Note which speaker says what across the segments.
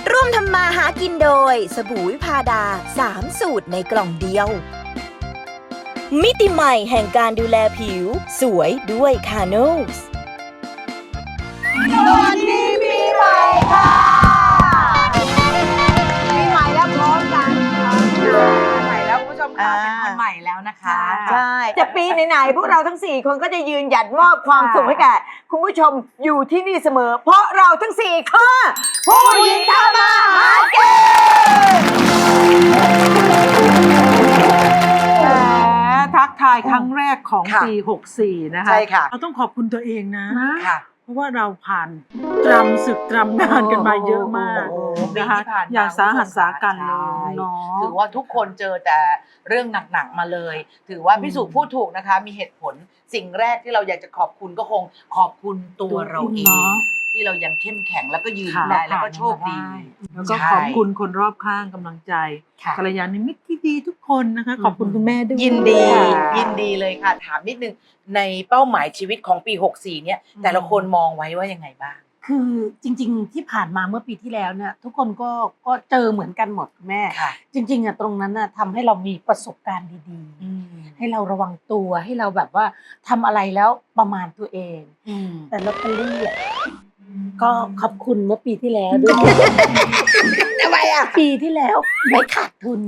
Speaker 1: ร่วมทำมาหากินโดยสบู่วิพาดา3 สูตรในกล่องเดียวมิติใหม่แห่งการดูแลผิวสวยด้วยคาโนส
Speaker 2: สวัสดีปีใหม่ค่ะปีใหม่แล้วพร้อมกันใหม่แล้วคุณผู้ชมค่ะเป็นคนใหม่แล้วนะคะใช่จะปีไหนๆพวกเราทั้ง4คนก็จะยืนหยัดมอบความสุขให้แก่คุณผู้ชมอยู่ที่นี่เสมอเพราะเราทั้ง4คือผู้หญิงทำมาหากิน
Speaker 3: ทักทายครั้งแรกของปี64นะคะ
Speaker 2: ใช่ค่ะ
Speaker 3: เราต้องขอบคุณตัวเองนะ
Speaker 2: ค่ะ
Speaker 3: เพราะว่าเราผ่านตรำศึกตรำนานกันมาเยอะมากนะคะอย่างสาหัสสากันเลยเนาะ
Speaker 4: ถือว่าทุกคนเจอแต่เรื่องหนักๆมาเลย ถือว่าพี่สุพูดถูกนะคะ มีเหตุผลสิ่งแรกที่เราอยากจะขอบคุณก็คงขอบคุณตัวเราเองที่เรายังเข้มแข็งแล้วก็ยืนได้แล้วก็โชคดี
Speaker 3: แล้วก็ขอบคุณคนรอบข้างกำลังใจกัลยาณมิตรที่ดีทุกคนนะคะขอบคุณคุณแม่ด้วย
Speaker 4: ยินดีเลยค่ะ ถามนิดนึงในเป้าหมายชีวิตของปี64เนี่ยแต่ละคนมองไว้ว่ายังไงบ้าง
Speaker 5: คือจริงๆที่ผ่านมาเมื่อปีที่แล้วเนี่ยทุกคนก็เจอเหมือนกันหมดแม่จริงๆอ่ะตรงนั้นน่ะทำให้เรามีประสบการณ์ดีๆให้เราระวังตัวให้เราแบบว่าทำอะไรแล้วประมาณตัวเองแต่ลอตเตอรี่อ่ะก็ขอบคุณเมื่อปีที่แล้วด้วย
Speaker 2: ทำไมอ่ะ
Speaker 5: ปีที่แล้วไม่ขาดทุน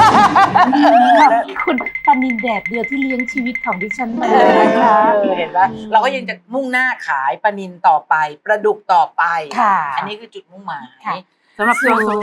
Speaker 5: คุณปานินแดดเดียวที่เลี้ยงชีวิตของดิฉันมาเลยนะคะ
Speaker 4: เห็นปะเราก็ยังจะมุ่งหน้าขายปลานิลต่อไปปลาดุกต่อไปอันนี้คือจุดมุ่งหมาย
Speaker 3: สำหรับตัวสุ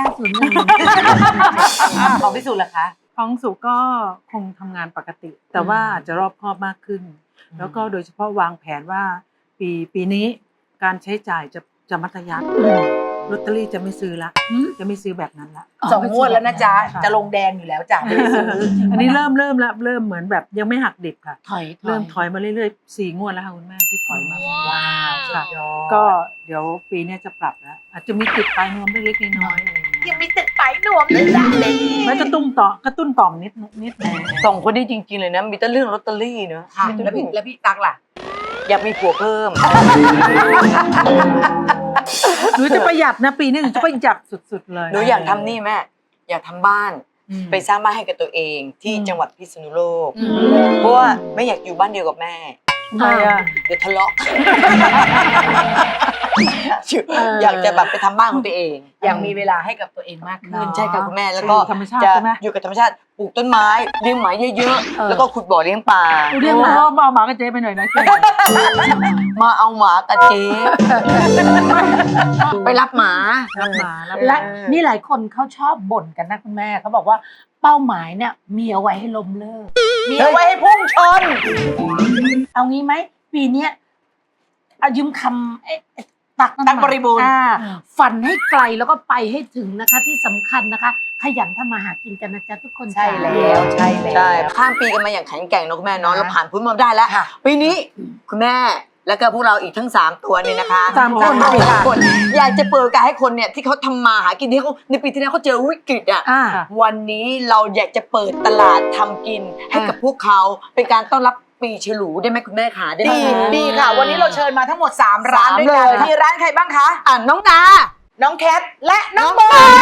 Speaker 4: ของพี่สุล่ะคะ
Speaker 3: ของสุก็คงทำงานปกติแต่ว่าอาจจะรอบคอบมากขึ้นแล้วก็โดยเฉพาะวางแผนว่าปีนี้การใช้จ่ายจะมัธยัสถ์ลอตเตอรี่จะไม่ซื้อละจะไม่ซื้อแบบนั้นละ
Speaker 4: 2 งวดแล้วนะจ๊ะจะลงแดงอยู่แล้วจ้ะไม่ได้ซื้อ
Speaker 3: อันนี้เริ่มแล้วเริ่มเหมือนแบบยังไม่หักดิบค่ะเริ่มถอยมาเรื่อยๆ4 งวดแล้วค่ะคุณแม่ที่ถอยมา
Speaker 4: ว้าว
Speaker 3: ค่ะก็เดี๋ยวปีนี้จะปรับแล้วอาจจะมีติดปลายนวมเล็กๆน้อยๆอะไรอย่างเงี้ย
Speaker 4: ยังมีติดปลายนวมเลยจ้ะ
Speaker 3: ไม่กระตุ้นต่อมนิด
Speaker 2: 2 คนนี้จริงๆเลยนะมีแต่เรื่องลอตเตอรี่เนอะ
Speaker 4: แล้วพี่ตั๊กล่ะ
Speaker 2: อยากมีผัวเพิ่ม
Speaker 3: หนูจะประหยัดนะปีนี้หนูจะประหยัดสุดๆเลย
Speaker 2: หนูอยากทำนี่แม่อยากทำบ้านไปสร้างบ้านให้กับตัวเองที่จังหวัดพิษณุโลกเพราะว่าไม่อยากอยู่บ้านเดียวกับแม่เดี๋ยวทะเลาะอยากจะแบบไปทำบ้านของตัวเอง
Speaker 4: อยากมีเวลาให้กับตัวเองมากขึ้น
Speaker 2: ใช่ค่ะคุณแม่แล้วก็จะอยู่กับธรรมชาติปลูกต้นไม้เลี้ยงหมาเยอะๆแล้วก็ขุดบ่อเลี้ยงปลา
Speaker 3: เลี้ยงหมามาหมากับเจ๊ไปหน่อยนะ
Speaker 2: มาเอาหมากับเจ๊ไปรับหมา
Speaker 5: และนี่หลายคนเขาชอบบ่นกันนะคุณแม่เขาบอกว่าเป้าหมายเนี่ยมีเอาไว้ให้ล้มเลิก
Speaker 4: มีเอาไว้ให้พุ่งชน
Speaker 5: เอางี้ไหมปีนี้เอายืมคำตัก
Speaker 4: บริบูรณ์
Speaker 5: ฝันให้ไกลแล้วก็ไปให้ถึงนะคะที่สำคัญนะคะขยันทำมาหากินกันนะจ๊ะทุกคน
Speaker 4: ใช่แล้วใช่
Speaker 2: ข้ามปีกันมาอย่างแข็งแกร่งนะคุณแม่เนาะเราผ่านพ้นมาได้แล้วปีนี้คุณแม่แล้วก็พวกเราอีกทั้ง3 ตัวนี่นะคะ3 คนอยากจะเปิดโอกาสให้คนเนี่ยที่เขาทำมาหากินที่เขาในปีที่แล้วเขาเจอวิกฤตอ่ะวันนี้เราอยากจะเปิดตลาดทำกินให้กับพวกเขาเป็นการต้อนรับปีฉลูได้ไหมคุณแม่คะ
Speaker 4: ดีค่ะวันนี้เราเชิญมาทั้งหมด3 ร้านด้วยกันมีร้านใครบ้างคะ
Speaker 2: น้องดา
Speaker 4: น้องแคทและน้องบอล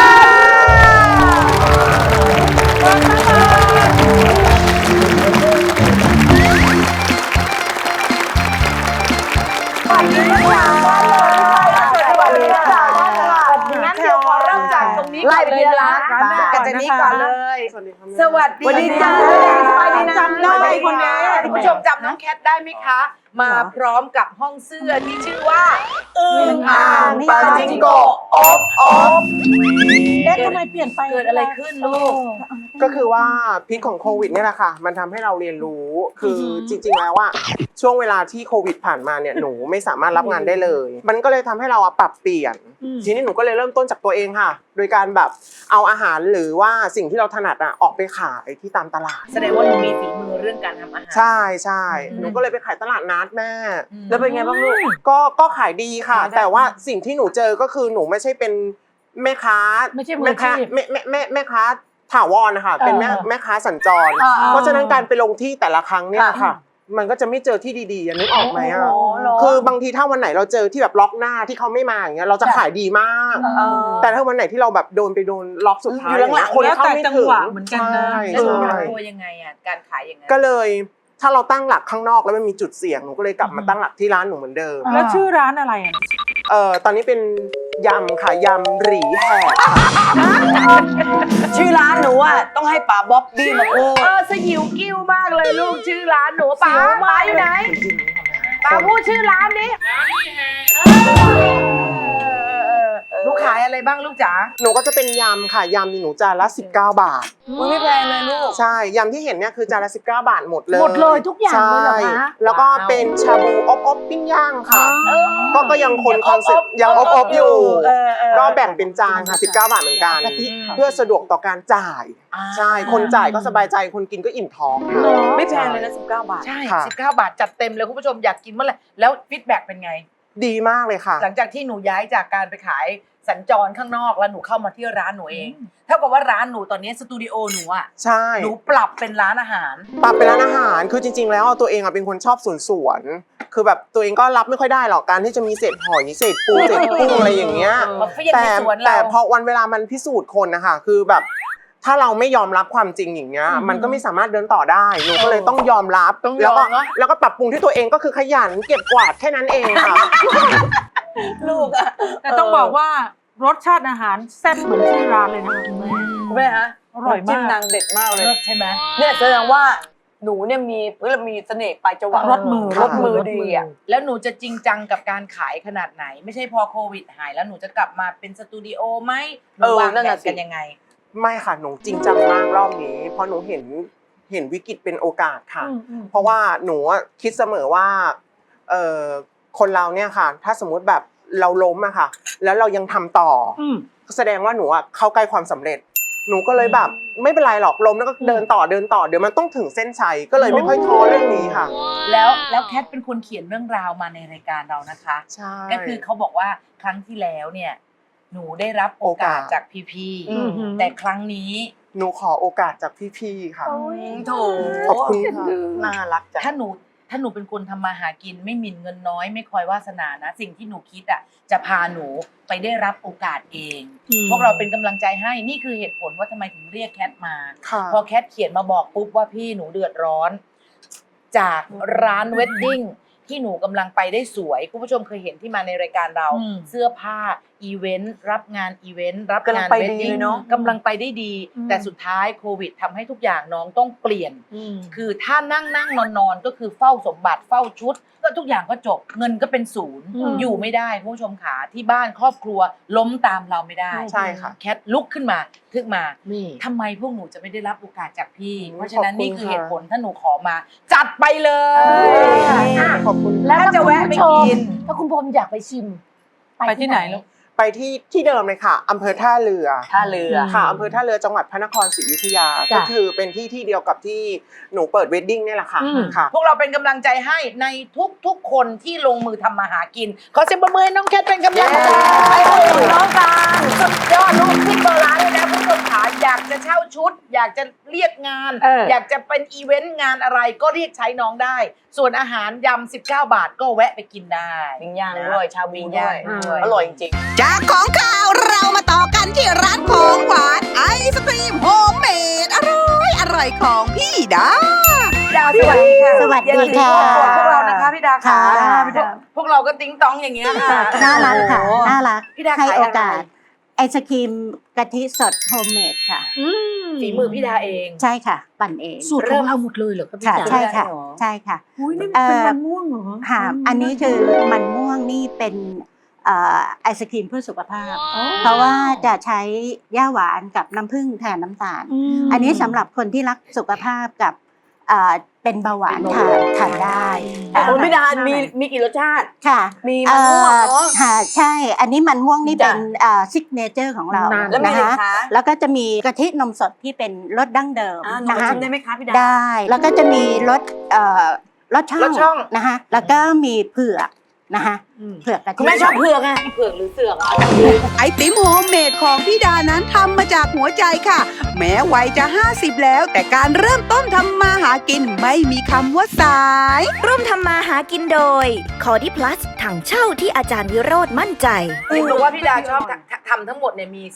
Speaker 4: งั้นเดี๋ยวขอเริ่มจากตรงนี้ก่อนเลยนะกันจากนี้ก่อนเลยสวัสดีจ้าจำได้คนนี้คุณผู้ชมจำน้องแคทได้ไหมคะมาพร้อมกับห้องเสื้อที่ชื่อว่าอึ่งอ่างปาจิงโกะอบ
Speaker 5: ทำไมเปลี่ยนไป
Speaker 4: เกิดอะไรขึ้นลูก
Speaker 6: ก็คือว่าพิษของโควิดเนี่ยแหละค่ะมันทำให้เราเรียนรู้คือจริงๆแล้วว่าช่วงเวลาที่โควิดผ่านมาเนี่ยหนูไม่สามารถรับงานได้เลยมันก็เลยทำให้เราปรับเปลี่ยนทีนี้หนูก็เลยเริ่มต้นจากตัวเองค่ะโดยการแบบเอาอาหารหรือว่าสิ่งที่เราถนัดออกไปขายที่ตามตลาด
Speaker 4: แสดงว่าหนูมีฝีมือเรื่องการทำอาหาร
Speaker 6: ใช่หนูก็เลยไปขายตลาดนัดแม่
Speaker 2: แล้วเป็นไงบ้างลูก
Speaker 6: ก็ขายดีค่ะแต่ว่าสิ่งที่หนูเจอก็คือหนูไม่ใช่เป็นแม่ค้าแม่ค้าถาวรนะคะเป็นแม่ค้าสัญจรเพราะฉะนั้นการไปลงที่แต่ละครั้งเนี่ยค่ะมันก็จะไม่เจอที่ดีๆนึกออกไหมอ่ะ
Speaker 2: อ๋อเหรอ
Speaker 6: คือบางทีถ้าวันไหนเราเจอที่แบบล็อกหน้าที่เขาไม่มาอย่างเงี้ยเราจะขายดีมาก แต่ถ้าวันไหนที่เราแบบโดนล็อกสุดท้าย
Speaker 2: อยู่หลังๆ
Speaker 6: คน
Speaker 3: แล้ว
Speaker 6: เข้า
Speaker 3: แต่
Speaker 6: ไม่
Speaker 3: จัง
Speaker 6: ถึง
Speaker 3: หวะเหมือนกันนะ
Speaker 6: ใช่
Speaker 4: แล้วหนูปรับ
Speaker 6: ใช่
Speaker 4: ตัวยังไงอ่ะการขายยังไง
Speaker 6: ก็เลยถ้าเราตั้งหลักข้างนอกแล้วมันมีจุดเสี่ยงหนูก็เลยกลับมาตั้งหลักที่ร้านหนูเหมือนเดิม
Speaker 3: แล้วชื่อร้านอะไรอ่ะ
Speaker 6: ตอนนี้เป็นยำค่ะยำหรีแหกค่ะ
Speaker 2: ชื่อร้านหนูอ่ะต้องให้ป๋าบ๊อบบี้มาพูด
Speaker 4: สยิวกิ้วมากเลยลูกชื่อร้านหนูป๋าอยู่ไหนป๋าพูดชื่อร้านนี้ลูกขายอะไรบ้างลูกจ๋า
Speaker 6: หนูก็จะเป็นยำค่ะยำนี่หนูจานละ19 บาท
Speaker 2: มันไม่แพงเลยลูก
Speaker 6: ใช่ยำที่เห็นเนี่ยคือจานละ19 บาทหมดเลย
Speaker 5: หมดเลยทุกอย่างเลยเหรอคะ
Speaker 6: ใช่แล้วก็เป็นชาบูอบปิ้งย่างค่ะก็ยังคงคอนเซ็ปต์ยังอบอยู่ ก็แบ่งเป็นจานค่ะ19 บาทเหมือนกัน
Speaker 5: กะทิค่ะ
Speaker 6: เพื่อสะดวกต่อการจ่ายใช่คนจ่ายก็สบายใจคนกินก็อิ่มท้องค่ะ
Speaker 2: ไม่แพงเลยนะ19 บาท
Speaker 4: ใช่
Speaker 6: ค่ะ
Speaker 4: 19 บาทจัดเต็มเลยคุณผู้ชมอยากกินเมื่อไหร่แล้วฟีดแบ็กเป็นไง
Speaker 6: ดีมากเลยค่ะ
Speaker 4: หลังจากที่หนูย้ายจากการไปขายสัญจรข้างนอกแล้วหนูเข้ามาที่ร้านหนูเองเท่ากับว่าร้านหนูตอนนี้สตูดิโอหนูอ่ะ
Speaker 6: ใช่
Speaker 4: หนูปรับเป็นร้านอาหาร
Speaker 6: ปรับเป็นร้านอาหารคือจริงๆแล้วตัวเองเป็นคนชอบสวนคือแบบตัวเองก็รับไม่ค่อยได้หรอกการที่จะมีเศษหอยเศษปูเศษกุ้งอะไรอย่างเงี้ย
Speaker 4: มาเฟี้ยงในสวนเรา
Speaker 6: แต่พอวันเวลามันพิสูจน์คนนะคะคือแบบถ้าเราไม่ยอมรับความจริงอย่างเงี้ยมันก็ไม่สามารถเดินต่อได้หนูก็เลยต้องยอมรับ
Speaker 4: ต้องย
Speaker 6: แล้ว
Speaker 4: อ
Speaker 6: ก็
Speaker 4: มเนอะ
Speaker 6: แล้วก็ปรับปรุงที่ตัวเองก็คือขยันเก็บกวาดแค่นั้นเองค่ะ
Speaker 2: ลูกอ่ะ
Speaker 3: แต่ต้องบอกว่ารสชาติอาหารแซ่บเหมือนชื่อร้านเลยนะคะคุณแม่
Speaker 2: คุณแม่ฮะ
Speaker 3: อร่อยมาก
Speaker 2: จิ้มนางเด็ดมากเลย
Speaker 4: เลิศใช่ไหม
Speaker 2: เนี่ยแสดงว่าหนูเนี่ยมีเสน่ห์ปลายจวัก
Speaker 3: รสมือ
Speaker 2: รสมือดีอ่ะ
Speaker 4: แล้วหนูจะจริงจังกับการขายขนาดไหน ไม่ใช่พอโควิดหายแล้วหนูจะกลับมาเป็นสตูดิโอไหมหนูวาง
Speaker 2: นั่น
Speaker 4: แผ
Speaker 2: น่ะ
Speaker 4: น
Speaker 2: สิ
Speaker 4: กันยังไง
Speaker 6: ไม่ค่ะหนูจริงจังมากรอบนี้เพราะหนูเห็นวิกฤตเป็นโอกาสค่ะ เพราะว่าหนูคิดเสมอว่าคนเราเนี่ยค่ะ ถ้าสมมุติแบบเราล้มอะค่ะ แล้วเรายังทำต่อแสดงว่าหนูเข้าใกล้ความสำเร็จ หนูก็เลยแบบไม่เป็นไรหรอกล้มแล้วก็เดินต่อเดี๋ยวมันต้องถึงเส้นชัยก็เลยไม่ค่อยท้อเรื่องนี้ค่ะ
Speaker 4: แล้วแคทเป็นคนเขียนเรื่องราวมาในรายการเรานะคะ
Speaker 6: ใช่
Speaker 4: ก็คือเขาบอกว่าครั้งที่แล้วเนี่ยหนูได้รับโอกาสจากพี่
Speaker 2: อืม
Speaker 4: ๆแต่ครั้งนี้
Speaker 6: หนูขอโอกาสจากพี่ๆค่ะ
Speaker 2: โถ
Speaker 6: ขอบคุณค่ะ
Speaker 2: น่ารักจัง
Speaker 4: ถ้าหนูเป็นคนทำมาหากินไม่หมิ่นเงินน้อยไม่คอยวาสนานะ สิ่งที่หนูคิดอ่ะจะพาหนูไปได้รับโอกาสเอง พวกเราเป็นกำลังใจให้นี่คือเหตุผลว่าทำไมถึงเรียกแคทมา
Speaker 6: ค่ะ
Speaker 4: พอแคทเขียนมาบอกปุ๊บว่าพี่หนูเดือดร้อน จากร้านเวดดิ้งที่หนูกำลังไปได้สวยคุณผู้ชมเคยเห็นที่มาในรายการเรา เสื้อผ้าอีเวนต์รับงานอีเวนต์รับ
Speaker 2: กำลั
Speaker 4: งาง น
Speaker 2: ไป
Speaker 4: เว
Speaker 2: ดี
Speaker 4: ดดิ้ง
Speaker 2: เลยเนอะ
Speaker 4: กำลังไปได้ดี แต่สุดท้ายโควิดทำให้ทุกอย่างน้องต้องเปลี่ยน คือถ้านั่งนอนก็คือเฝ้าสมบัติเฝ้าชุดก็ทุกอย่างก็จบเงินก็เป็นศูนย์อยู่ไม่ได้คุณผู้ชมขาที่บ้านครอบครัวล้มตามเราไม่ได้
Speaker 6: ใช่ค่ะ
Speaker 4: แคทลุกขึ้นมาทึกมา
Speaker 5: นี่
Speaker 4: ทำไมพวกหนูจะไม่ได้รับโอกาสจากพี่
Speaker 6: อืม
Speaker 4: เพราะฉะนั้น
Speaker 6: ขอบคุณ
Speaker 4: นี่คือ
Speaker 6: ค่ะ
Speaker 4: เหตุผลถ้าหนูขอมา จัดไปเลย
Speaker 6: ขอบคุณ
Speaker 5: แล้ว
Speaker 4: ถ้าจะแวะไปกิน
Speaker 5: ถ้าคุณพรมอยากไปชิม
Speaker 3: ไปที่ไหนลูก
Speaker 6: ไปที่เดิมเลยค่ะอำเภอท่าเรือ
Speaker 2: ท่าเรือ
Speaker 6: ค่ะอำเภอท่าเรือจังหวัดพระนครศรีอยุธยา
Speaker 5: จ้ะ
Speaker 6: ก็คือเป็นที่เดียวกับที่หนูเปิดเวดดิ้งเนี่ยแหละค่ะ
Speaker 5: อืม
Speaker 6: ค่ะ
Speaker 4: พวกเราเป็นกำลังใจให้ในทุกคนที่ลงมือทำมาหากิน ขอเสียงปรบมือให้น้องแคทเป็นกำลังใจให้น้องการสุดยอดลูกที่เบอร์ร้านเลยนะผู้ชมขาอยากจะเช่าชุด อยากจะเรียกงาน อยากจะเป็นอีเวนต์งานอะไรก็เรียกใช้น้องได้ ส่วนอาหารยำ19 บาทก็แวะไปกินได้
Speaker 2: ปิ้งย่างด้วยชาบู
Speaker 4: ปิ้ง
Speaker 2: ด้
Speaker 4: ย่า
Speaker 2: วย
Speaker 4: งด้วย
Speaker 2: อร่อยจริง
Speaker 7: จากของข้าวเรามาต่อกันที่ร้านของหวานไอศครีมโฮมเมดอร่อยของพี่ดา
Speaker 4: พี่ดาสวัสดีค่ะ
Speaker 5: สวัสดีค่ะ
Speaker 4: พวกเรานะคะพี่ดาค่ะ
Speaker 5: ค่ะ
Speaker 4: พวกเราก็ติ้งต้องอย่างเงี้ยค่ะ
Speaker 8: น่ารักค่ะ
Speaker 2: โอ้โห
Speaker 8: น่ารัก
Speaker 4: พี่ดา
Speaker 8: ให้
Speaker 4: ขาย
Speaker 8: โอ
Speaker 4: อะไร
Speaker 8: กาส ไอศครีมกะทิสดโฮมเมดค่ะ
Speaker 4: ฝีมือพี่ดาเอง
Speaker 8: ใช่ค่ะ ปั่นเอง
Speaker 5: สูตรของเราหมดเลยเหรอครับพี่
Speaker 8: ค่ะ
Speaker 5: จ๋า
Speaker 8: ใช่ค่ะ
Speaker 2: ได้เหรอ
Speaker 8: ใช่ค่ะ
Speaker 3: อุ้ยนี่มันเป็นมันม่วงเหรอ
Speaker 8: ค่ะ อันนี้คือมันม่วงนี่เป็นไอศครีมเพื่อสุขภาพ เพราะว่าจะใช้ย่าหวานกับน้ำผึ้งแทนน้ำตาล อันนี้สำหรับคนที่รักสุขภาพกับเป็นเบาหวานทานได้
Speaker 2: แต่คุณพี่ดามีกี่รสชาติ
Speaker 8: ค่ะ
Speaker 2: มีมันม่วงเนอะ
Speaker 8: ค่ะใช่ อันนี้มันม่วงนี่เป็น
Speaker 2: จ้ะ
Speaker 8: ซิกเนเจอร์ของเรา
Speaker 2: แล้วมี
Speaker 8: นะ
Speaker 2: อะไร
Speaker 8: คะ
Speaker 2: คะ
Speaker 8: แล้วก็จะมีกะทินมสดที่เป็นรสดั้งเดิม
Speaker 2: หนู
Speaker 8: นะ
Speaker 2: มา
Speaker 8: คะ
Speaker 2: ชิมได้ไหมคะพี่ดา
Speaker 8: ได้ แล้วก็จะมีรสรสช่
Speaker 4: รสช่
Speaker 8: อ
Speaker 4: อง ง
Speaker 8: นะคะแล้วก็มีเผือกนะคะเผือกกะทิ
Speaker 2: คุณแม่ชอบเผือกไง
Speaker 4: เผือกหรือเสือกอ่ะ
Speaker 7: ไอติมโฮมเมดของพี่ดานั้นทำมาจากหัวใจค่ะ แม้วัยจะ 50 แล้ว แต่การเริ่มต้นทำมาหากินไม่มีคำว่าสาย
Speaker 1: ร่วมทำมาหากินโดยคอดิพลัสถังเช่าที่อาจารย์วิโรธมั่นใจ
Speaker 4: เห็นบอกว่าพี่ดาชอบทำทั้งหมดเนี่ยมี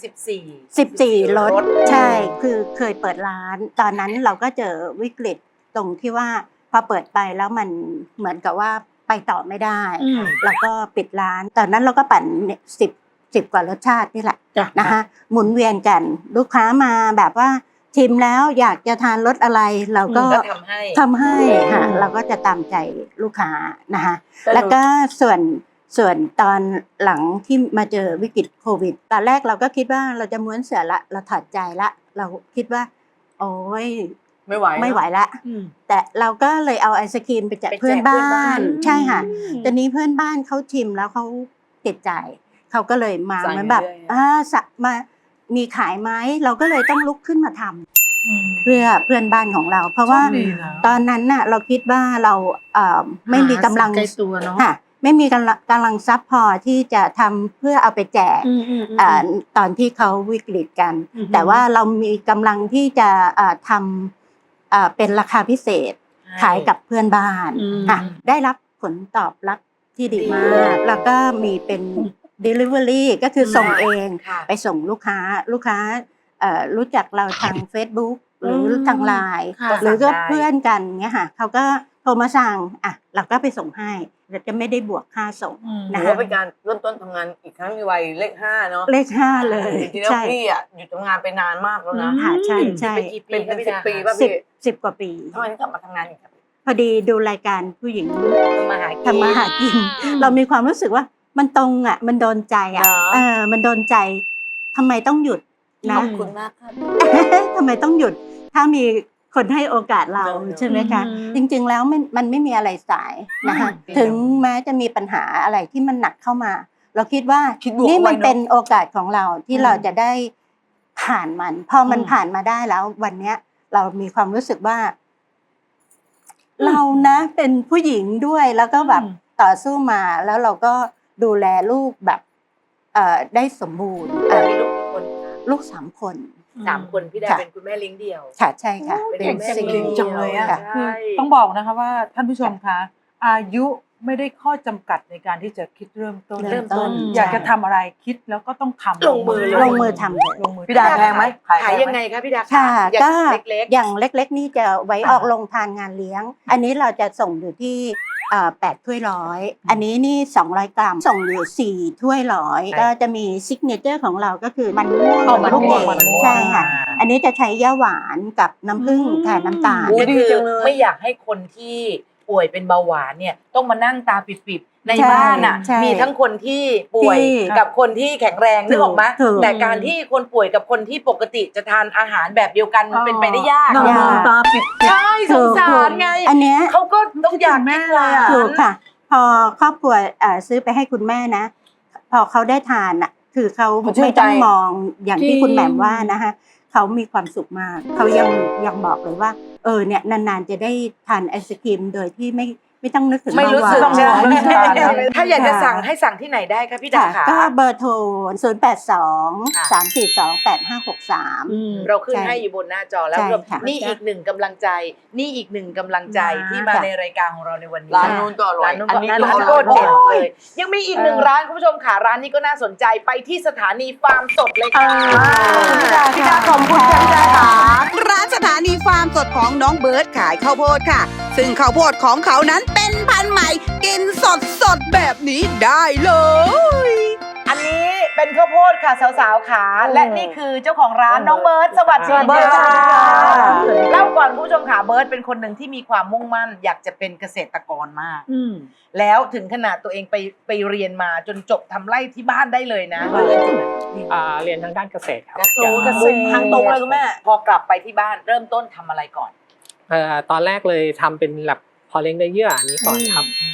Speaker 8: 14รสใช่คือเคยเปิดร้าน ตอนนั้นเราก็เจอวิกฤตตรงที่ว่าพอเปิดไปแล้วมันเหมือนกับว่าไปต่อไม่ได้เราก็ปิดร้าน ตอนนั้นเราก็ปั่น10กว่ารสชาตินี่แหละนะคะหมุนเวียนกันลูกค้ามาแบบว่าชิมแล้วอยากจะทานรสอะไรเราก็ทำให้ค่ะเราก็จะตามใจลูกค้านะคะแล้วก็ส่วนตอนหลังที่มาเจอวิกฤตโควิดตอนแรกเราก็คิดว่าเราจะม้วนเสือละเราถอดใจละเราคิดว่าโอ้ยไม่ไหวละแต่เราก็เลยเอาไอศกรีมไปแจกเพื่อนบ้านใช่ค่ะตอนนี้เพื่อนบ้านเขาชิมแล้วเขาติดใจเขาก็เลยมาเหมือนแบบมามีขายไหมเราก็เลยต้องลุกขึ้นมาทำเพื่อเพื่อนบ้านของเรา เพราะว่าตอนนั้นน่ะเราคิดว่าเราไม่มีกำลังตัวเนาะไม่มีกำลังทรัพย์พอที่จะทำเพื่อเอาไปแจกตอนที่เขาวิกฤตกันแต่ว่าเรามีกำลังที่จะทำเป็นราคาพิเศษขายกับเพื่อนบ้านได้รับผลตอบรับที่ดีมากแล้วก็มีเป็น delivery ก็คือส่งเองไปส่งลูกค้ารู้จักเราทาง Facebook หรือทางไลน์หรือก็เพื่อนกันเงี้ยค่ะเขาก็โทรมาสั่งเราก็ไปส่งให้เราจะไม่ได้บวกค่าส่งนะคะ
Speaker 2: ถือว่าเป็นการเริ่มต้นทำงานอีกครั้งในวัยเลข5เนาะ
Speaker 8: เลข5เลย
Speaker 2: จริงๆแล้วพี่หยุดทำงานไปนานมากแล้วนะ
Speaker 8: ใช่
Speaker 2: เป็น10 ปีป่ะพี่
Speaker 8: 10 กว่าปี
Speaker 2: ทำไมถึงกลับมาทำงานอีกครับ
Speaker 8: พอดีดูรายการผู้หญิงทำมาหากินเรามีความรู้สึกว่ามันตรงมันโดนใจมันโดนใจทำไมต้องหยุดนะ
Speaker 2: ขอบคุณมากค่ะ
Speaker 8: ทำไมต้องหยุดถ้ามีคนให้โอกาสเราใช่ไหมคะจริงๆแล้วมันไม่มีอะไรสายนะคะถึงแม้จะมีปัญหาอะไรที่มันหนักเข้ามาเราคิดว่านี่มันเป็นโอกาสของเราที่เราจะได้ผ่านมันพอมันผ่านมาได้แล้ววันเนี้ยเรามีความรู้สึกว่าเรานะเป็นผู้หญิงด้วยแล้วก็แบบต่อสู้มาแล้วเราก็ดูแลลูกแบบได้สมบูรณ์
Speaker 4: มีลูกกี่คน
Speaker 8: ลูก3 คน
Speaker 4: พี่ดาเป็นคุณแม่เลี้ยงเดี่ยว
Speaker 8: ค่ะใช่ค่ะ
Speaker 4: เป็นแม่เลี้ยง
Speaker 2: จังเลยอ่ะ
Speaker 3: คือต้องบอกนะคะว่าท่านผู้ชมคะอายุไม่ได้ข้อจำกัดในการที่จะคิดเริ่มต้นอยากจะทำอะไรคิดแล้วก็ต้องทำ
Speaker 8: ลงมือทำเลย
Speaker 2: พี่ดาแพงไหม
Speaker 4: ขายยังไงคะพี่ดา
Speaker 8: ค่ะก็อย่างเล็กๆนี่จะไว้ออกลงทานงานเลี้ยงอันนี้เราจะส่งอยู่ที่8 ถ้วยร้อยอันนี้นี่200 กรัมส่งอยู่4 ถ้วยร้อยก็จะมีซิกเนเจอร์ของเราก็คือมันม่วงลูกเกดใช่ค่ะอันนี้จะใช้ย่าหวานกับน้ำผึ้งแทนน้ำตาล
Speaker 4: คือไม่อยากให้คนที่ป่วยเป็นเบาหวานเนี่ยต้องมานั่งตาปิดๆในบ้านอ่ะมีทั้งคนที่ป่วยกับคนที่แข็งแรงนึกออกไหมแต่การที่คนป่วยกับคนที่ปกติจะทานอาหารแบบเดียวกันมันเป็นไปได้ยาก
Speaker 2: ตาปิด
Speaker 4: ใช่สงสารไง
Speaker 8: อันเนี้ย
Speaker 4: เขาก็ต้องอยากแม่เลย
Speaker 8: ถูกค่ะพอครอบครัวซื้อไปให้คุณแม่นะพอเขาได้ทานอ่ะคือเขาไม่ต้องมองอย่างที่คุณแหม่มว่านะคะเขามีความสุขมากเขายังบอกเลยว่าเนี่ยนานๆจะได้ทานไอศกรีมโดยที่ไม่ต้องนึกถึง
Speaker 4: ไม่รู้สึกถ้าอยากจะสั่งให้สั่งที่ไหนได้คะพี่ดาค่ะ
Speaker 8: ก็เบอร์โทร082-342-8563
Speaker 4: เราขึ้นให้อยู่บนหน้าจอแล้วนี่อีกหนึ่งกำลังใจที่มาในรายการของเราในวันนี้
Speaker 2: ร้านนู้นก็อร่อย
Speaker 4: อันนี้ก็เด็ดเลยยังมีอีก1 ร้านคุณผู้ชมค่ะร้านนี้ก็น่าสนใจไปที่สถานีฟาร์มสดเลยค่ะ
Speaker 2: พี่ดาขอบคุณค่ะพี่ดาค่ะ
Speaker 7: ร้านสถานีฟาร์มสดของน้องเบิร์ดขายข้าวโพดค่ะซึ่งข้าวโพดของเขานั้นเป็นพันธุ์ใหม่กินสดแบบนี้ได้เลย
Speaker 4: อันนี้เป็นข้าวโพดค่ะสาวๆขาและนี่คือเจ้าของร้านน้องเบิร์ดสวัสดีค่ะเล่าก่อนคุณผู้ชมค่ะเบิร์ดเป็นคนหนึ่งที่มีความมุ่งมั่นอยากจะเป็นเกษตรกรมากแล้วถึงขนาดตัวเองไปเรียนมาจนจบทำไร่ที่บ้านได้เลยนะ
Speaker 9: เรียนทางด้านเกษตรครับ
Speaker 4: เกษตรทางตรงเลยคุณแม่พอกลับไปที่บ้านเริ่มต้นทำอะไรก่อน
Speaker 9: ตอนแรกเลยทำเป็นแบบพอเลี้ยงได้เยื่อนี้ก่อนครับ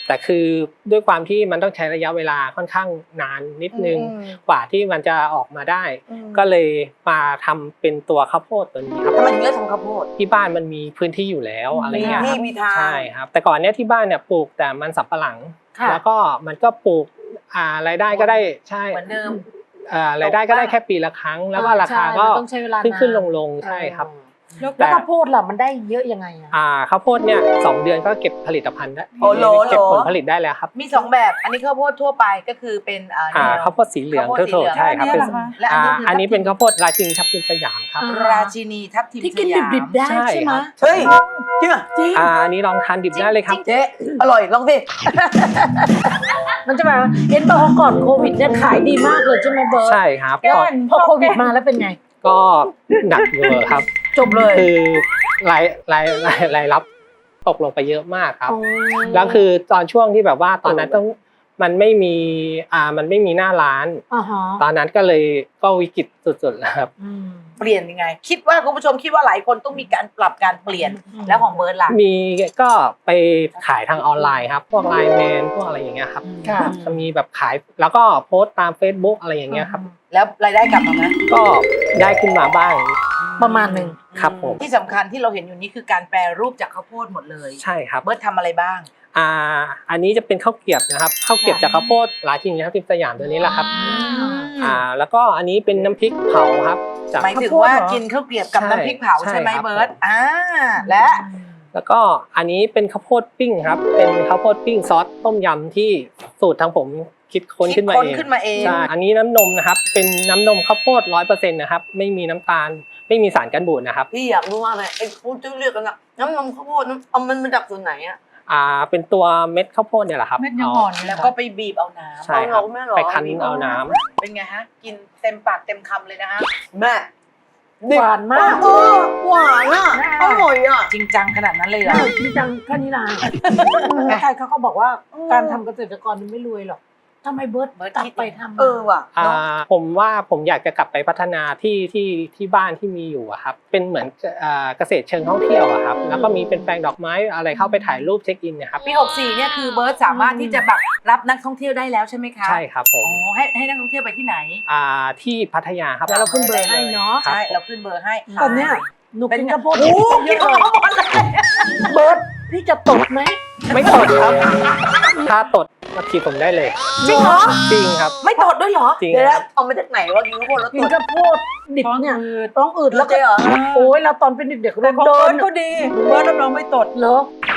Speaker 9: แต่คือด้วยความที่มันต้องใช้ระยะเวลาค่อนข้างนานนิดนึงกว่าที่มันจะออกมาได้ ก็เลยมาทำเป็นตัวข้าวโพดตัวนี้ครับ
Speaker 2: ทำไมถึงเลือกทำข้าวโพด
Speaker 9: ที่บ้านมันมีพื้นที่อยู่แล้วอะไรเงี้ย
Speaker 2: มี
Speaker 9: ค
Speaker 2: ที่
Speaker 9: รับ
Speaker 2: มีทาง
Speaker 9: ใช่ครับแต่ก่อนเนี้ยที่บ้านเนี่ยปลูกแต่มันสำปะหลัง แล้วก็มันก็ปลูกรายได้ก็ได้ใช่
Speaker 4: เหมือนเดิม
Speaker 9: รายได้ก็ได้แค่ปีละครั้ง แล้วก็ราคาก็ขึ้นลงใช่ครับ
Speaker 5: แล้วข้าวโพดล่ะมันได้เยอะยังไงอะ
Speaker 9: ข้าวโพดเนี่ย2 เดือนก็เก็บผลิตภัณฑ์ได้
Speaker 2: โอ้โห
Speaker 9: เก็บผลผลิตได้แล้วครับ
Speaker 4: มี2แบบอันนี้ข้าวโพดทั่วไปก็คือเป็น
Speaker 9: ข้าวโพดสีเหลือง
Speaker 4: ข้าวโพดสีเหลือง
Speaker 9: ใช่ครับเป็น
Speaker 4: และอันนี้คือ
Speaker 9: อันนี้เป็นข้าวโพดราชินีทับทิมสยามครับ
Speaker 4: ราชินีทับทิม
Speaker 5: ที่กิน
Speaker 4: สยาม
Speaker 5: ดิบๆได้ใช่ไหม
Speaker 2: เฮ้ยจริงเหรอ
Speaker 9: อันนี้ลองทานดิบได้เลยครับ
Speaker 2: เจ๊อร่อยลองสิ
Speaker 5: มันจะมาเห็นบอกว่าก่อนโควิดเนี่ยขายดีมากเลยใช่ไหมเบิร์ต
Speaker 9: ใช่ครับ
Speaker 5: พอโควิดมาแล้วเป็นไง
Speaker 9: ก็หนักเวอร์ครับ
Speaker 5: จบเลย
Speaker 9: คือรายรับตกลงไปเยอะมากครับ แล้วคือตอนช่วงที่แบบว่าตอนนั้นมันไม่มีหน้าร้าน ตอนนั้นก็วิกฤตสุดๆแล้วครับ
Speaker 4: เปลี่ยนยังไง คิดว่าคุณผู้ชมคิดว่าหลายคนต้องมีการปรับการเปลี่ยนแล้วของเบิร์ดล่ะ
Speaker 9: มีก็ไปขายทางออนไลน์ครับพวกไลน์แมนพวกอะไรอย่างเงี้ยครับจะมีแบบขายแล้วก็โพสต์ตาม Facebook อะไรอย่างเงี้ยครับ
Speaker 4: แล้วรายได้กลับมาไหม
Speaker 9: ก็ได้ขึ้นมาบ้าง
Speaker 5: ประมาณหนึ่ง
Speaker 9: ครับผม
Speaker 4: ที่สำคัญที่เราเห็นอยู่นี้คือการแปรรูปจากข้าวโพดหมดเลย
Speaker 9: ใช่ครับ
Speaker 4: เบิร์ดทำอะไรบ้าง
Speaker 9: อันนี้จะเป็นข้าวเกรียบนะครับข้าวเกรียบจากข้าวโพดราชินีทับทิมสยามตัวนี้แหละครับแล้วก็อันนี้เป็นน้ำพริกเผาครับจาก
Speaker 4: หมายถึงว่ากินข้าวเกรียบกับน้ำพริกเผาใช่ไหมเบิร์ด
Speaker 9: แล้วก็อันนี้เป็นข้าวโพดปิ้งครับเป็นข้าวโพดปิ้งซอสต้มยำที่สูตรทางผมคิดค้นขึ้นมาเองใช่อันนี้น้ำนมนะครับเป็นน้ำนมข้าวโพด 100% นะครับไม่มีน้ำตาลไม่มีสารกันบูดนะครับ
Speaker 2: พี่อยากรู้ว่าอะไรไอ้พูดจะเรียกกันนะน้ำนมข้าวโพดเอามันมาจากส่วนไหนอะ
Speaker 9: เป็นตัวเม็ดข้าวโพดเนี่ยแหละครับ
Speaker 5: เม็ดยังอ่อน
Speaker 4: แล้วก็ไปบีบเอาน้ำ
Speaker 9: ใช่ครับไปคั้นเอาน้ำ
Speaker 4: เป็นไงฮะกินเต็มปากเต็มคำเลยนะฮะ
Speaker 2: แม่
Speaker 5: หวานมาก
Speaker 2: หวานอ่ะอร่อยอ่ะ
Speaker 4: จริงจังขนาดนั้นเลยเหรอ
Speaker 5: จริงจังแค่นี้นะใครเขาก็บอกว่าการทำเกษตรกรมันไม่รวยหรอกทำไมเบิร์ตกลับไปทำ
Speaker 2: ว่ะ
Speaker 9: ผมว่าผมอยากจะกลับไปพัฒนาที่บ้านที่มีอยู่อะครับเป็นเหมือนเกษตรเชิงท่องเที่ยวอะครับแล้วก็มีเป็นแปลงดอกไม้อะไรเข้าไปถ่ายรูปเช็คอินเนี่ยครับ
Speaker 4: ปี64เนี่ยคือเบิร์ตสามารถที่จะแบบรับนักท่องเที่ยวได้แล้วใช่ไหมคะ
Speaker 9: ใช่ครับผม
Speaker 4: อ๋อให้นักท่องเที่ยวไปที่ไหน
Speaker 9: ที่พัทยาครับ
Speaker 5: เดี๋ยวเราขึ้นเบอร์ให้เนาะ
Speaker 4: ใช่เราขึ้นเบอร์ให้
Speaker 5: ตอนเนี้ยหนูกินข้าวโพด
Speaker 4: โอ้กินข้าวโพดเลย
Speaker 5: เบิร์ตพี่จะตดไหม
Speaker 9: ไม่ตดครับถ้าตดมาขีดผมได้เลย
Speaker 4: จริงเหรอ
Speaker 9: จริงครับ
Speaker 4: ไม่ตดด้วยเหรอ
Speaker 9: จริง
Speaker 2: เดี๋ยว
Speaker 9: ครับ
Speaker 2: เอามาจากไหนวะกินข้าวโพดแล้ว
Speaker 5: กิ
Speaker 2: ตั
Speaker 5: น
Speaker 2: ว
Speaker 5: ข้าวโพดดิบเนี่ยต้องอืด
Speaker 2: แล้
Speaker 5: แล้ว ว
Speaker 2: เจ๊เหรอ
Speaker 5: โอ้ยเราตอนเป็นเด็กๆ
Speaker 3: แต่ของ
Speaker 5: เดิ
Speaker 3: เบิร์
Speaker 5: น
Speaker 3: ดก็ดีเบิร์ดรับรองไม่ตด
Speaker 5: เหรอ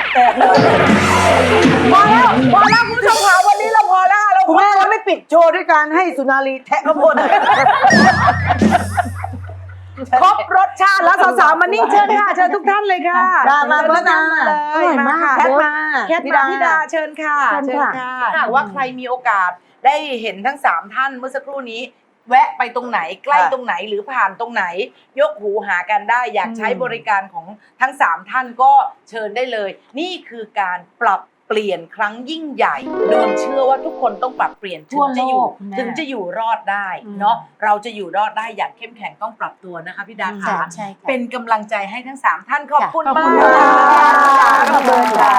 Speaker 2: พอแล้วคุณผู้ชมค่ะวันนี้เราพอแล้วคุณแม่เราไม่ปิดโชว์ด้วยการให้สุนารีแทะข้าวโพด
Speaker 4: ครบรสชาติแล้วสาวๆมานี่เชิญค่ะเชิญทุกท่านเลยค่ะ
Speaker 2: มาเบิร์ตมา
Speaker 5: อร่อยมาก
Speaker 4: แคทมา
Speaker 2: แคท
Speaker 4: ธิ
Speaker 2: มา
Speaker 4: ดาเชิญค่ะ
Speaker 5: เชิญค่ะ
Speaker 4: ถ้าหากว่าใครมีโอกาสได้เห็นทั้ง3ท่านเมื่อสักครู่นี้ แวะไปตรงไหนใกล้ตรงไหนหรือผ่านตรงไหน ยกหูหากันได้อยากใช้บริการของทั้ง3ท่านก็เชิญได้เลย นี่คือการปรับเปลี่ยนครั้งยิ่งใหญ่โดนเชื่อว่าทุกคนต้องปรับเปลี่ยนถึงจะอยู่รอดได้เนาะเราจะอยู่รอดได้อย่างเข้มแข็งต้องปรับตัวนะคะพี่ดาค่ะ
Speaker 8: ใช่ค่ะ
Speaker 4: เป็นกำลังใจให้ทั้ง3ท่านขอบคุณมาก
Speaker 5: ขอบคุณค่ะ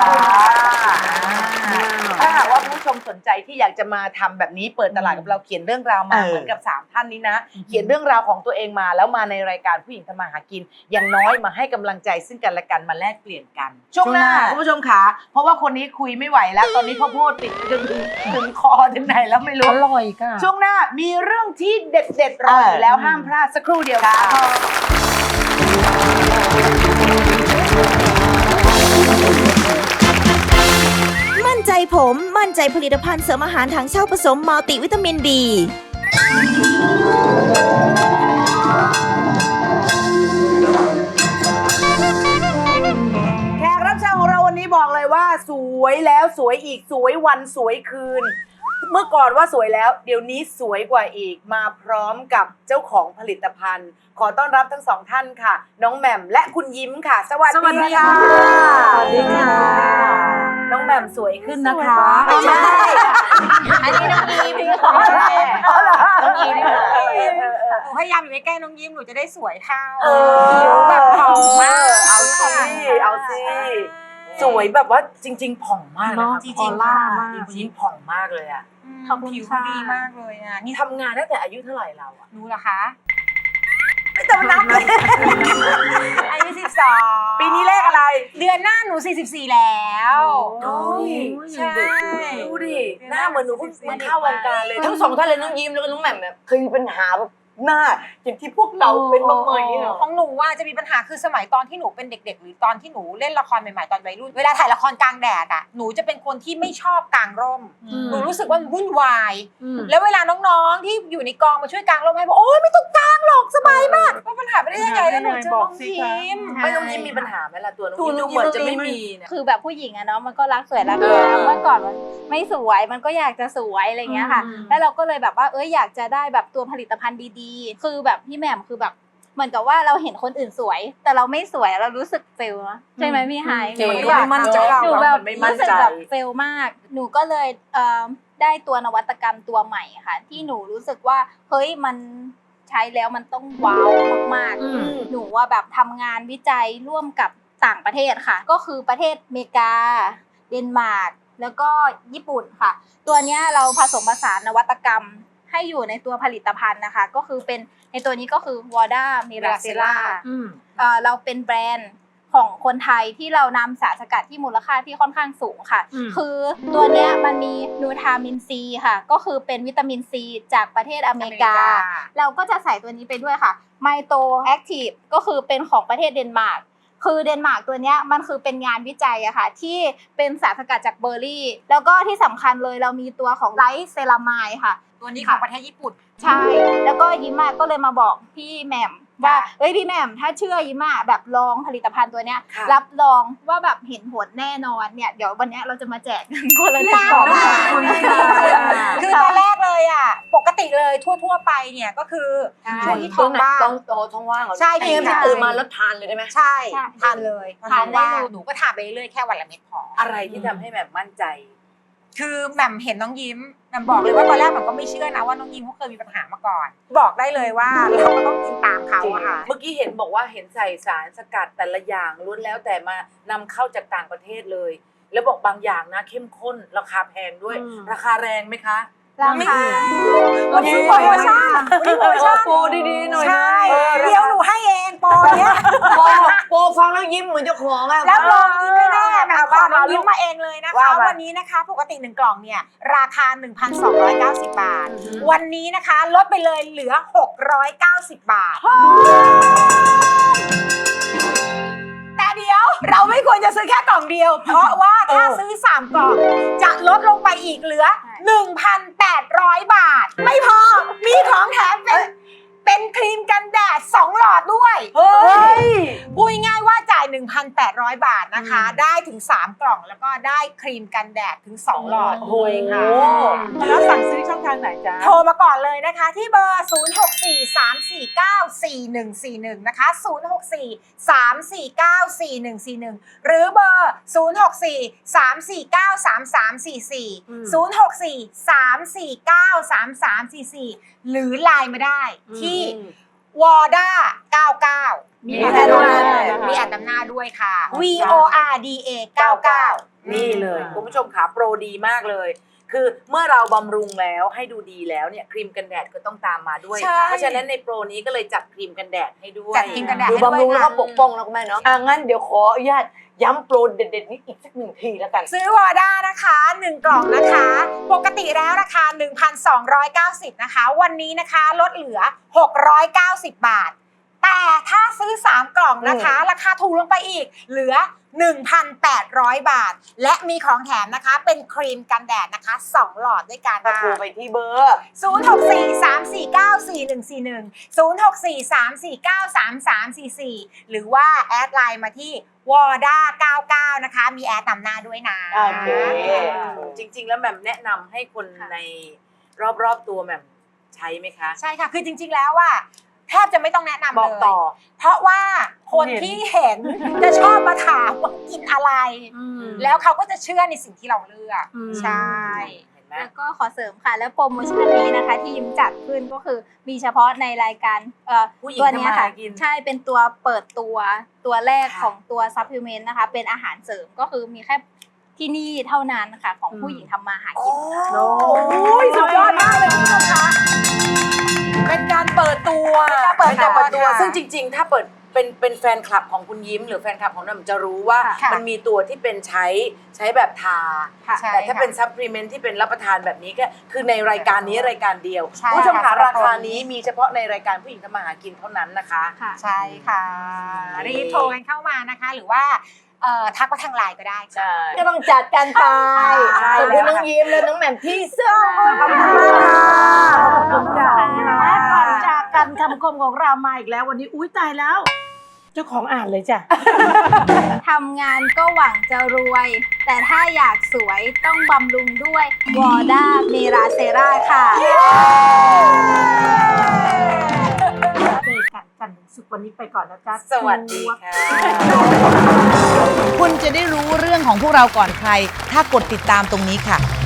Speaker 4: ถ้าหากว่าผู้ชมสนใจที่อยากจะมาทำแบบนี้เปิดตลาดกับเราเขียนเรื่องราวมาเหมือนกับ3ท่านนี้นะเขียนเรื่องราวของตัวเองมาแล้วมาในรายการผู้หญิงทำมาหากินอย่างน้อยมาให้กำลังใจซึ่งกันและกันมาแลกเปลี่ยนกันช่วงหน้าคุณผู้ชมขาเพราะว่าคนนี้คุยไม่ไหวแล้วตอนนี้เขาพูดติดถึงคอถึงไหนแล้วไม่รู้
Speaker 5: อร่อยค่ะ
Speaker 4: ช่วงหน้ามีเรื่องที่เด็ดๆรออยู่แล้วห้ามพลาดสักครู่เดียวค่ะ
Speaker 1: มั่นใจผมมั่นใจผลิตภัณฑ์เสริมอาหารถังเช่าผสมมัลติวิตามิน B
Speaker 4: แขกรับเชิญของเราวันนี้บอกเลยว่าสวยแล้วสวยอีกสวยวันสวยคืน เมื่อก่อนว่าสวยแล้วเดี๋ยวนี้สวยกว่าอีกมาพร้อมกับเจ้าของผลิตภัณฑ์ ขอต้อนรับทั้ง2ท่านค่ะ น้องแหม่มและคุณยิ้มค่ะ สวัสดีค่ะ
Speaker 5: สวัสดีค่ะ
Speaker 4: น้องแหม่มสวยขึ้นนะคะ
Speaker 8: ไม่ใช่ อันนี้น้องยิ้มค่ะ
Speaker 4: น้องยิ้ม
Speaker 8: หนูพยายามอยู่ใกล้ๆน้องยิ้มหนูจะได้สวยเท่า
Speaker 4: ผิวแบบผ่องมากเอาสิสวยแบบว่าจริง ๆ ผ่องมากนะคะ
Speaker 5: จริงๆค่ะ
Speaker 4: จริงๆผ่องมากเลยอ่ะ
Speaker 5: ขอบคุณ
Speaker 4: ผิว
Speaker 5: ค่ะ
Speaker 4: ดีมากเลยอ่ะนี่ทำงานตั้งแต่อายุเท่าไหร่เราอ่ะ
Speaker 10: หนูเหรอคะ
Speaker 4: ไม่ต้องนับเลย
Speaker 10: อายุ12
Speaker 4: ปีนี้เลขอะไร
Speaker 10: เดือนหน้าหนู44แล้ว
Speaker 4: โอ้ย
Speaker 10: ใช่
Speaker 4: ดูดิหน้าเหมือนหนูเพิ่งมาเข้าวงการเลย
Speaker 2: ทั้งสองท่านเลยน้องยิ้มแล้วก็น้องแหม่มเนี่ยเคยมีปัญหาแบบหน้าอย่างที่พวกเราเป็นบ้างไหมเหรอ
Speaker 10: ของหนูว่าจะมีปัญหาคือสมัยตอนที่หนูเป็นเด็กๆ หรือตอนที่หนูเล่นละครใหม่ๆตอนวัยรุ่นเวลาถ่ายละครกลางแดดอ่ะหนูจะเป็นคนที่ไม่ชอบกางร่มหนูรู้สึกว่ามันวุ่นวาย แล้วเวลาน้องๆที่อยู่ในกองมาช่วยกางร่มให้บอกโอ๊ยไม่ต้องกางหรอกสบายมากว่าปัญหาไม่ได้ยังไงแล้วหนูเจอน้องยิ้ม
Speaker 4: ไม่ต้องยิ้มมีปัญหาไหมล่ะตัวน้องยิ้มดูเหมือนจะไม่มีเนี่ย
Speaker 11: คือแบบผู้หญิงอะเนาะมันก็รักสวยรักงามเมื่อก่อนมันไม่สวยมันก็อยากจะสวยอะไรเงี้ยค่ะ แล้วเราก็เลยแบบว่าอยากจะได้แบบตัวผลิตภัณฑ์ดีๆคือแบบพี่แหม่มคือแบบเหมือนกับว่าเราเห็นคนอื่นสวย แต่เราไม่สวยเรารู้สึกเฟลนะใช่ไหมพี่ไฮ
Speaker 4: จริงไม่มั่นใจ
Speaker 11: หนูแบบ
Speaker 4: ไม่มั่น
Speaker 11: รู้สึก
Speaker 4: ใจ
Speaker 11: แบบเฟลมากหนูก็เลยได้ตัวนวัตกรรมตัวใหม่ค่ะที่หนูรู้สึกว่าเฮ้ยมันใช้แล้วมันต้องว้าวมากๆหนูว่าแบบทำงานวิจัยร่วมกับต่างประเทศค่ะก็คือประเทศอเมริกาเดนมาร์กแล้วก็ญี่ปุ่นค่ะตัวเนี้ยเราผสมผสานนวัตกรรมให้อยู่ในตัวผลิตภัณฑ์นะคะก็คือเป็นในตัวนี้ก็คือ Warda Miracella เราเป็นแบรนด์ของคนไทยที่เรานำสารสกัดที่มูลค่าที่ค่อนข้างสูงค่ะคือตัวเนี้ยมันมีนูทามินซีค่ะก็คือเป็นวิตามินซีจากประเทศอเมริกาเราก็จะใส่ตัวนี้ไปด้วยค่ะไมโตแอคทีฟก็คือเป็นของประเทศเดนมาร์กคือเดนมาร์กตัวเนี้ยมันคือเป็นงานวิจัยอะค่ะที่เป็นสารสกัดจากเบอร์รี่แล้วก็ที่สำคัญเลยเรามีตัวของไลท์เซรามายค่ะ
Speaker 10: ตัวนี้ของประเทศญี่ปุ่น
Speaker 11: ใช่แล้วก็ยิ้มอะก็เลยมาบอกพี่แหม่มว่าพี่แหม่มถ้าเชื่อยิ้มอะแบบลองผลิตภัณฑ์ตัวเนี้ยรับรองว่าแบบเห็นผลแน่นอนเนี่ยเดี๋ยววันเนี้ยเราจะมาแจกกันคนละ1 กล่อง
Speaker 10: คือตอนแรกเลยอ่ะปกติเลยทั่วๆไปเนี่ยก็คือช่วงที่ท้องว่าง
Speaker 2: ท้องว่างเหรอ
Speaker 10: ใช่
Speaker 2: พี่ไม่ตื่นมาแล้วทานเลยได้ไหม
Speaker 10: ใช่ทานเลยทานได้เลยหนูก็ทานไปเรื่อยๆแค่วันละเม็ดพอ
Speaker 4: อะไรที่ทำให้แบบมั่นใจ
Speaker 10: คือแหม่มเห็นน้องยิ้มแหม่มบอกเลยว่าตอนแรกแหม่มก็ไม่เชื่อนะว่าน้องยิ้มเขาเคยมีปัญหามาก่อน บอกได้เลยว่าเราก็ต้องกินตามเขาอะค่ะ
Speaker 4: เมื่อกี้เห็นบอกว่าเห็นใส่สารสกัดแต่ละอย่างล้วนแล้วแต่มานำเข้าจากต่างประเทศเลย แล้วบอกบางอย่างนะเข้มข้นราคาแพงด้วย ราคาแรงไหมคะ
Speaker 11: ราคา
Speaker 10: วันนี้โปรโมชั่น
Speaker 2: โปรดีๆหน่อยนะ
Speaker 10: ใช่เดี๋ยวหนูให้เองโปรเนี้ย
Speaker 2: โปรฟังแล้วยิ้มเหมือนเจ้าของอะ
Speaker 10: แล้วรองยิ้มไม่แน่แบบขอน้องยิ้มมาเองเลยนะคะ
Speaker 4: ว่ามา
Speaker 10: วันนี้นะคะปกติ1 กล่องเนี่ยราคา 1,290 บาท วันนี้นะคะลดไปเลยเหลือ 690 บาท แต่เดี๋ยวเราไม่ควรจะซื้อแค่กล่องเดียว เพราะว่าถ้าซื้อ3 กล่องจะลดลงไปอีกเหลือ 1,800 บาท ไม่พอมีของแถมเป็นครีมกันแดด2 หลอดด้วยพูดง่ายๆว่าจ่าย 1,800 บาทนะคะ ได้ถึง3 กล่องแล้วก็ได้ครีมกันแดดถึง2 หลอดด้วยค่ะ
Speaker 3: แล้วสั่งซื้อช่องทางไหนจ๊ะ
Speaker 10: โทรมาก่อนเลยนะคะที่เบอร์ 0643494141 นะคะ 0643494141 หรือเบอร์ 0643493344 0643493344 หรือไลน์มาได้ที่วอร์ด้า99มีแอดนำหน้าด้วยค่ะ VORDA 99
Speaker 4: นี่เลยคุณผู้ชมขาโปรดีมากเลย คือเมื่อเราบำรุงแล้วให้ดูดีแล้วเนี่ยครีมกันแดดก็ต้องตามมาด้วย
Speaker 10: ใช่
Speaker 4: เพราะฉะนั้นในโปรนี้ก็เลยจัดครีมกันแดดให้ด้วย
Speaker 10: จัดครีมกันแดด
Speaker 2: ดู
Speaker 10: ให้ด้วย
Speaker 2: บำรุงแล้ว
Speaker 10: ค่ะ
Speaker 2: ก็ปกป้องนะคุณแม่เนาะงั้นเดี๋ยวขออนุญาตย้ำโปรเด็ดๆนี้อีกสัก1 ทีแล้วกัน
Speaker 10: ซื้อวอร์ด้านะคะ1 กล่องนะคะ ปกติแล้วราคา 1,290 นะคะ วันนี้นะคะลดเหลือ 690 บาท แต่ถ้าซื้อ3 กล่องนะคะ ราคาถูกลงไปอีกเหลือ 1,800 บาท และมีของแถมนะคะเป็นครีมกันแดดนะคะ2 หลอดด้วยกัน
Speaker 2: ก็
Speaker 10: ค่ะ
Speaker 2: โทรไปที่เบอร์
Speaker 10: 0643494141 0643493344 หรือว่าแอดไลน์มาที่วอร์ด้า99นะคะมีแอดนำหน้าด้วยนะ
Speaker 2: โอเค
Speaker 4: จริงๆแล้วแหม่มแนะนำให้คนในรอบๆตัวแหม่มใช้ไหมคะ
Speaker 10: ใช่ค่ะ คือจริงๆแล้วอะแทบจะไม่ต้องแนะนำ
Speaker 4: บอก
Speaker 10: เลย
Speaker 4: ต่อ
Speaker 10: เพราะว่าคนที่เห็นจะชอบมาถามว่ากินอะไร แล้วเขาก็จะเชื่อในสิ่งที่เราเลือก ใช่
Speaker 4: เห็นไหม
Speaker 11: แล้วก็ขอเสริมค่ะ แล้วโปรโมชั่นนี้นะคะที่ยิ้มจัดขึ้นก็คือมีเฉพาะในรายการตัวเนี้ยค่ะใช่เป็นตัวเปิดตัวแรกของตัวซัพพลีเมนต์นะคะเป็นอาหารเสริมก็คือมีแค่ที่นี่เท่านั้นค่ะของผู้หญิงทำมาหากินค่ะ
Speaker 4: โอ้ยสุดยอดมากเลยคุณผู้ชมคะเป็นการเปิดตัวซึ่งจริงๆ ถ้าเปิดเป็นแฟนคลับของคุณยิ้มหรือแฟนคลับของน้ำจะรู้ว่ามันมีตัวที่เป็นใช้แบบทาแต่ถ้าเป็นซัพพลีเมนต์ที่เป็นรับประทานแบบนี้ก็คือในรายการนี้รายการเดียวผู้ชมคะราคานี้มีเฉพาะในรายการผู้หญิงทำมาหากินเท่านั้นนะคะ
Speaker 10: ใช่ค่ะรีบโทรกันเข้ามานะคะ หรือว่าทักมาทางไลน์ก็ได้ค่ะ
Speaker 2: ก็ต้องจัดกันไปขอบคุณน้องยิ้มและน้องแหม่มที่สุด
Speaker 5: ขอบคุณมากค่ะขอบคุณจ้าและก่อนจากกันคำคมของเรามาอีกแล้ววันนี้อุ้ยตายแล้ว เจ้าของอ่านเลยจ้ะ
Speaker 11: ทำงานก็หวังจะรวย แต่ถ้าอยากสวยต้องบำรุงด้วยวอร์ด้าเมราเซราค่ะ
Speaker 5: เจอกันจันทร์ถึงศุกร์วันนี้ไปก่อนนะจ๊ะ
Speaker 4: สวัสดีค่ะ
Speaker 7: คุณจะได้รู้เรื่องของพวกเราก่อนใคร ถ้ากดติดตามตรงนี้ค่ะ